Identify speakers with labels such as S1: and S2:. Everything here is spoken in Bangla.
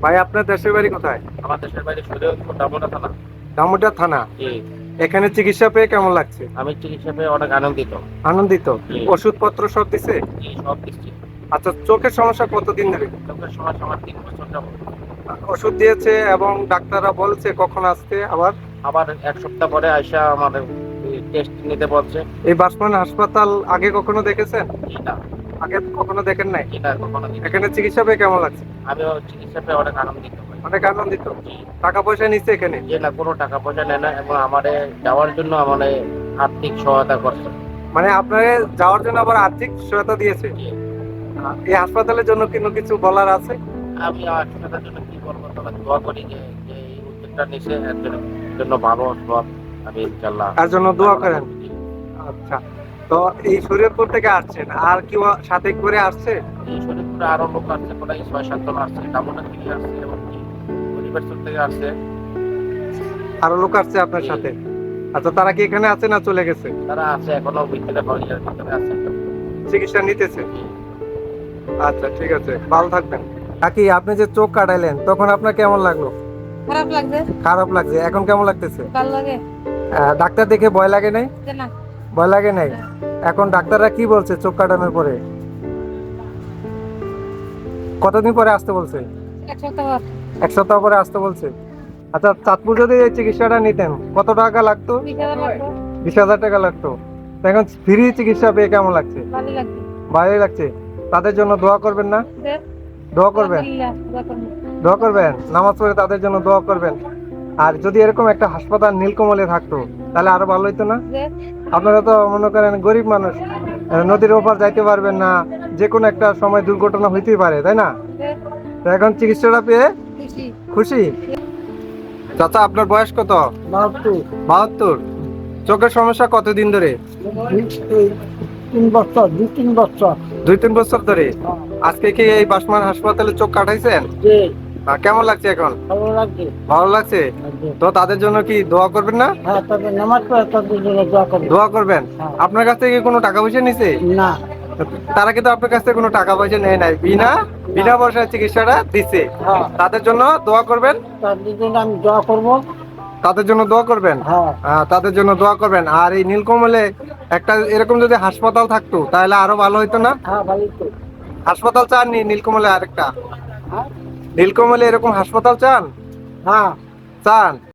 S1: ভাই আপনার দেশের বাড়ি কোথায়?
S2: আমার দেশের বাড়ি শরীয়তপুর দামোদর থানা।
S1: দামোদর থানা।
S2: জি।
S1: এখানে চিকিৎসা পেয়ে কেমন লাগছে?
S2: আমি চিকিৎসা পেয়ে অনেক আনন্দিত।
S1: আনন্দিত?
S2: জি।
S1: ওষুধপত্র সব দিছে?
S2: জি, সব দিচ্ছি।
S1: আচ্ছা, চোখের সমস্যা কতদিন ধরে?
S2: চোখের সমস্যা আমার ৩ বছর যাবত।
S1: ওষুধ দিয়েছে এবং ডাক্তাররা বলছে কখন আসতে আবার?
S2: আবার ১ সপ্তাহ পরে আইসা আমার টেস্ট নিতে বলছে।
S1: এই বাসমান হাসপাতাল আগে কখনো দেখেছেন?
S2: জি না,
S1: আগে কখনো দেখেন নাই?
S2: জি না, কখনো দিইনি।
S1: এখানে চিকিৎসা পেয়ে কেমন লাগছে?
S2: আমিও চিকিৎসা পেয়ে অনেক আনন্দিত হই।
S1: অনেক আনন্দিত?
S2: জি।
S1: টাকা পয়সা নিচ্ছে এখানে?
S2: যে না, কোনো টাকা পয়সা নেয় না এবং আমারে যাওয়ার জন্য আমারে আর্থিক সহায়তা করছে।
S1: মানে আপনাকে যাওয়ার জন্য আবার আর্থিক সহায়তা দিয়েছে?
S2: জি।
S1: এই হাসপাতালের জন্য কিন্তু কিছু বলার আছে?
S2: আমি আর্থিকতার জন্য কি বলবো, তবে দোয়া করি যে যে এই উদ্যোগটা নিছে এর জন্য ভালো সব। আমি ইনশাআল্লাহ
S1: তার জন্য দোয়া
S2: কামনা
S1: করেন।
S2: করছি।
S1: আচ্ছা, তো এই শরীয়তপুর থেকে আসছেন, আর কি সাথে করে আসছে?
S2: এই শরীরপুরে আরো লোক আসছে, প্রায় ৬-৭ জন আসছে, দামোদর থেকে আসছে এবং কি হরিবাসপুর থেকে আসছে।
S1: আরো লোক আসছে আপনার
S2: জি।
S1: সাথে? আচ্ছা, তারা কি এখানে আছে না চলে গেছে?
S2: তারা আছে এখনো ভিতরে, হরিয়ার ভিতরে আছে।
S1: চিকিৎসা নিতেছে?
S2: জি।
S1: আচ্ছা, ঠিক আছে, ভালো থাকবেন। কাকি, আপনি যে চোখ কাটাইলেন তখন আপনার কেমন লাগলো?
S3: খারাপ লাগছে।
S1: খারাপ লাগছে, এখন কেমন লাগতেছে?
S3: ভালো লাগে
S1: ডাক্তার দেখে ভয় লাগে নাই?
S3: যে না।
S1: ভয় লাগে নাই? এখন ডাক্তাররা কি বলছে চোখ কাটানোর পরে? কতদিন পরে আসতে বলছে?
S3: 1 সপ্তাহ পর।
S1: 1 সপ্তাহ পরে আসতে বলছে। আচ্ছা, চাঁদপুর যদি এই চিকিৎসাটা নিতেন কত টাকা লাগতো?
S3: 20,000 লাগবে।
S1: 20,000 টাকা লাগতো। তো এখন ফ্রি চিকিৎসা পেয়ে কেমন লাগছে?
S3: ভালো লাগছে।
S1: ভালোই লাগছে। তাদের জন্য দোয়া করবেন না?
S3: যে
S1: দোয়া করবেন?
S3: আলহামদুলিল্লাহ, দোয়া করুন।
S1: দোয়া করবেন, নামাজ পড়ে তাদের জন্য দোয়া করবেন। আর যদি এরকম একটা হাসপাতাল নীলকমলে থাকতো তাহলে আরো ভালো হতো না?
S3: যে
S1: আপনারা তো মনে করেন গরিব মানুষ, নদীর ওপার যাইতে পারবেন না, যে কোনো একটা সময় দুর্ঘটনা হইতেই পারে, তাই না?
S3: যে
S1: তো এখন চিকিৎসাটা পেয়ে
S3: খুশি।
S1: খুশি? চাচা, আপনার বয়স কত? 72। চোখের সমস্যা কতদিন ধরে?
S4: 3 বছর, 2-3 বছর।
S1: 2-3 বছর ধরে? আজকে কি এই বাসমান হাসপাতালে চোখ কাটাইছেন?
S4: যে
S1: কেমন লাগছে এখন?
S4: ভালো লাগছে।
S1: ভালো লাগছে? তো তাদের জন্য কি দোয়া করবেন না?
S4: হ্যাঁ, তবে নামাজ পড়ে তাদের জন্য দোয়া করবে।
S1: দোয়া করবেন?
S4: হ্যাঁ।
S1: আপনার কাছ থেকে কোনো টাকা পয়সা নিছে?
S4: না,
S1: তারা কিন্তু আপনার কাছ থেকে কোনো টাকা পয়সা নেয় নাই, বিনা পয়সায় চিকিৎসাটা দিচ্ছে।
S4: হ্যাঁ,
S1: তাদের জন্য দোয়া করবেন?
S4: তাদের জন্য আমি দোয়া করব।
S1: তাদের জন্য দোয়া করবেন?
S4: হ্যাঁ,
S1: তাদের জন্য দোয়া করবেন। আর এই নীলকমলে একটা এরকম যদি হাসপাতাল থাকতো তাহলে আরো ভালো হতো না?
S4: হ্যাঁ, ভালো তো।
S1: হাসপাতাল চাননি নীলকমলে আরেকটা?
S4: হ্যাঁ,
S1: নীলকমলে এরকম হাসপাতাল চান?
S4: হ্যাঁ।
S1: চান?